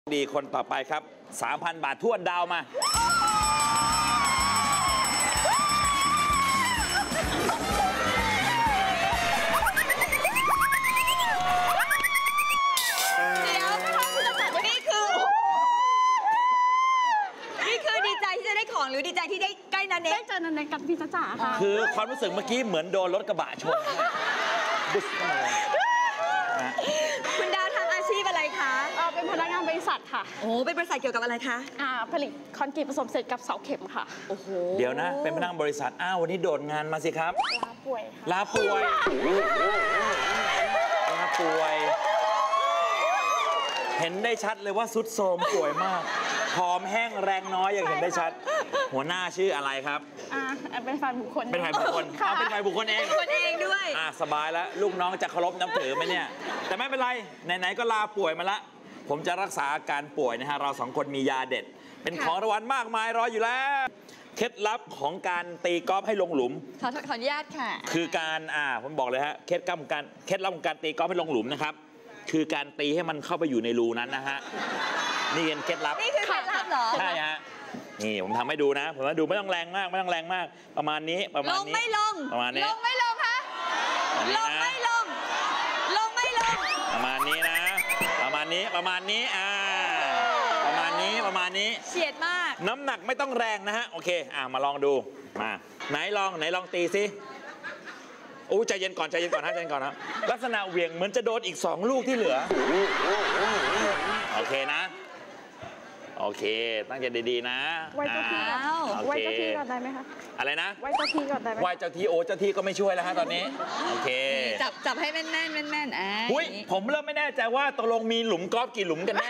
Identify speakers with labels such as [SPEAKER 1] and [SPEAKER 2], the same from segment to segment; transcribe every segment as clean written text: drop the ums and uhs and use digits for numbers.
[SPEAKER 1] ดีคนต่อไปครับ 3,000 บาททวนดาวมา
[SPEAKER 2] นี่คือดีใจที่จะได้ของหรือดีใจที่ได้ใกล้นันเน็กได้เจอนันเน็กกับพี่จ๋าค่ะ
[SPEAKER 1] คือความรู้สึกเมื่อกี้เหมือนโดนรถกระบะชนบุษเข้ามาเลย
[SPEAKER 2] คุณดาวทำอาชีพอะไรคะ
[SPEAKER 3] เป็นพนักงานบริษัทค่ะ
[SPEAKER 2] โอ้เป็นบริษัทเกี่ยวกับอะไรคะ
[SPEAKER 3] ผลิตคอนกรีตผสมเสร็จกับเสาเข็มค่ะ
[SPEAKER 2] โอ้โห
[SPEAKER 1] เดี๋ยวนะเป็นพนักงานบริษัทวันนี้โดดงานมาสิครับ
[SPEAKER 3] ลาป่วย
[SPEAKER 1] ลาป่วยลาป่วยเห็นได้ชัดเลยว่าสุดโทรมป่วยมากผอมแห้งแรงน้อยอย่างเห็นได้ชัดหัวหน้าชื่ออะไรครับ
[SPEAKER 3] เป็นฝ่ายบุคคล
[SPEAKER 1] เป็นฝ่ายบุคคลเป็นฝ่ายบุคคลเอง
[SPEAKER 2] คนเองด้วย
[SPEAKER 1] สบายแล้วลูกน้องจะเคารพนับถือไหมเนี่ยแต่ไม่เป็นไรไหนๆก็ลาป่วยมาละผมจะรักษาอาการป่วยนะฮะเรา2คนมียาเด็ดเป็นของรางวัลมากมายรออยู่แล้วเคล็ดลับของการตีกอล์ฟให้ลงหลุม
[SPEAKER 2] ขออนุญาตค่ะ
[SPEAKER 1] คือการผมบอกเลยฮะเคล็ดลับของการตีกอล์ฟให้ลงหลุมนะครับคือการตีให้มันเข้าไปอยู่ในรูนั้นนะฮะนี่เป็นเคล็ดลับ
[SPEAKER 2] นี่คือเคล็ดลับเหรอ
[SPEAKER 1] ใช่ฮะนี่ผมทำให้ดูนะผมว่าดูไม่ต้องแรงมากประมาณนี้
[SPEAKER 2] ลงไม่ลง
[SPEAKER 1] ประมาณนี้
[SPEAKER 2] ลงไม่ลงคะลงไม่ลงลงไม่ลง
[SPEAKER 1] ประมาณนี้นะประมาณนี้ประมาณนี้
[SPEAKER 2] เฉียดมาก
[SPEAKER 1] น้ำหนักไม่ต้องแรงนะฮะโอเคมาลองดูมาไหนลองตีสิใจเย็นก่อนฮะใจเย็นก่อนนะลักษณะเหวี่ยงเหมือนจะโดนอีก2ลูกที่เหลือโอเคนะโอเคตั้งใจดีๆนะ
[SPEAKER 3] ไหว้เจ้าที่ก่อนได้ไหมคะ
[SPEAKER 1] อะไรนะ
[SPEAKER 3] ไหว้เจ้าที่ก่อนได้ไหม
[SPEAKER 1] ไหว้เจ้าที่เจ้าที่ก็ไม่ช่วยแล้วฮะตอนนี้โอเค
[SPEAKER 2] จับให้แม่น
[SPEAKER 1] ผมเริ่มไม่แน่ใจว่าตกลงมีหลุมกอล์ฟกี่หลุมกันแน่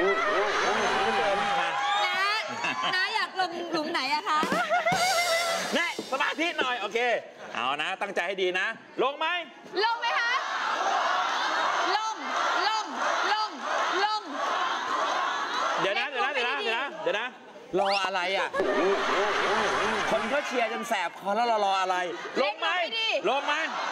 [SPEAKER 2] นะอยากลงหลุมไหนอะคะ
[SPEAKER 1] แน่สมาธิหน่อยโอเคเอานะตั้งใจให้ดีนะลงไหม
[SPEAKER 2] คะลง
[SPEAKER 1] เดี๋ยวนะรออะไรอ่ะคนก็เชียร์จนแสบคอแล้วรออะไรลงไหมลง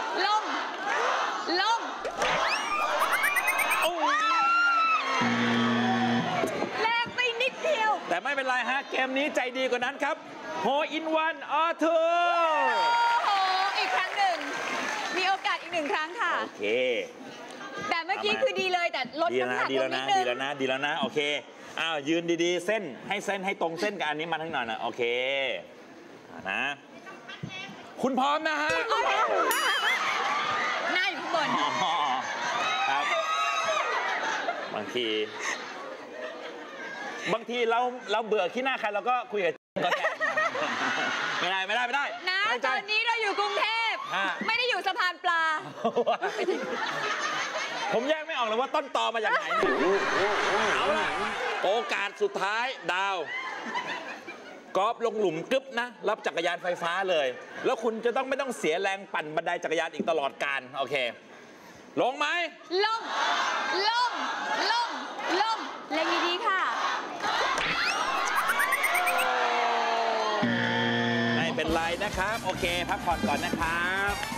[SPEAKER 2] แรงไปนิดเดียว
[SPEAKER 1] แต่ไม่เป็นไรฮะเกมนี้ใจดีกว่านั้นครับโฮอินวันออเทอ
[SPEAKER 2] อีกครั้งหนึ่งมีโอกาสอีก1 ครั้งค่ะ
[SPEAKER 1] โอเค
[SPEAKER 2] แต่เมื่อกี้คือดีเลยแต่ลดน้ำหนักลงนิดนึง
[SPEAKER 1] ดีแล้วนะโอเคยืนดีๆเส้นให้ตรงเส้นกับอันนี้มาทั้งหน่อยนะโอเคนะคุณพร้อมนะฮะ
[SPEAKER 2] หน้าอยู่ข้างบน
[SPEAKER 1] ครับบางทีเราเบื่อขี้หน้าใครเราก็คุยกับก็แทนไม่ได้
[SPEAKER 2] นะตอนนี้เราอยู่กรุงเทพไม่ได้อยู่สะพานปลา
[SPEAKER 1] ผมแยกไม่ออกเลยว่าต้นตอมาจากไหนเอาล่ะโอกาสสุดท้ายดาวกอล์ฟลงหลุมกึ๊บนะรับจักรยานไฟฟ้าเลยแล้วคุณจะไม่ต้องเสียแรงปั่นบันไดจักรยานอีกตลอดกาลโอเคลงไหม
[SPEAKER 2] ลงเล่นดีๆค่ะ
[SPEAKER 1] ไม่เป็นไรนะครับโอเคพักผ่อนก่อนนะครับ